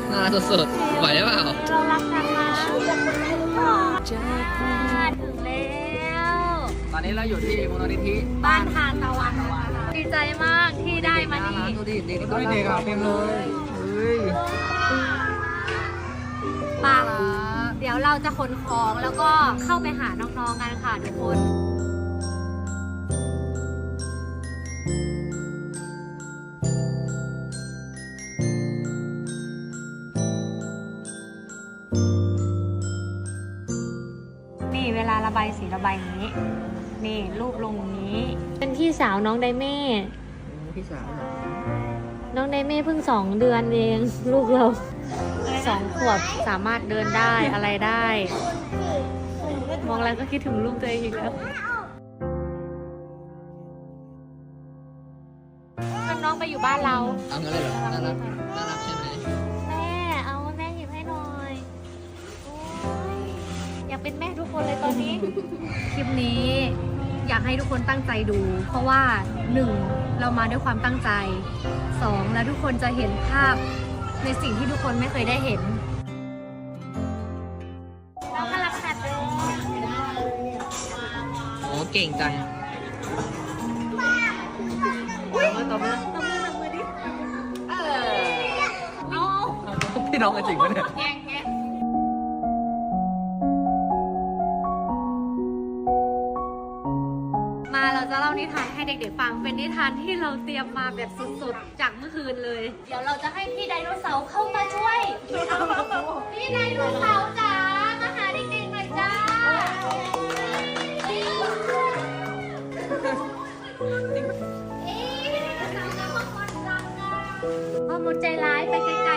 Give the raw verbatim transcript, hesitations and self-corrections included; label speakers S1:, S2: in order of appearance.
S1: น่ารักสุดๆไหวหรือเปล่า
S2: เรารักกันนะถึงแล้ว
S1: ตอนนี้เราอยู่ที่มูลนิธิ
S2: บ้านทานตะวันดีใจมากที่ได้มานี่
S1: ดูดิเด็กเด็กเต็มเลยเฮ้ย
S2: ป่ะเดี๋ยวเราจะขนของแล้วก็เข้าไปหาน้องๆกันค่ะทุกคนนี่เวลาระบายสีระบายนี้นี่รูปลงนี้ เป็นพี่สาวน้องไดเม่
S1: พี่สาว
S2: น้องไดเม่เพิ่งสองเดือนเองลูกเราสองขวบสามารถเดินได้อะไรได้ มองแล้วก็คิดถึงลูกตัวเองอีกแล้วน้องไปอยู่บ้านเรา
S1: เอางั้นเลยเหรอน่ารักน่ารักใช่ไหม
S2: แม่เอาแม่หยิบให้หน่อยโอ้ยอยากเป็นแม่ทุกคนเลยตอนนี้ คลิปนี้อยากให้ทุกคนตั้งใจดู เพราะว่าหนึ่งเรามาด้วยความตั้งใจสองแล้วทุกคนจะเห็นภาพในสิ่งที่ทุกคนไม่เคยได้เห็นน้องกำลังหัดเลย
S1: โอ้เก่งจังตบมือ
S2: ตบมือตบมือดิเออเอา
S1: พี่น้องกันจริงปะเนี่ย
S2: แย่งแย่งมาเราจะเล่านิทานให้เด็กๆฟังเป็นนิทานที่เราเตรียมมาแบบสุดๆจากเมื่อคืนเลย เดี๋ยวเราจะให้พี่ไดโนเสาร์เข้ามาช่วย พี่ไดโนเสาร์จ๋ามาหาเด็กๆหน่อยจ้าพ่อมดใจร้ายไปไกล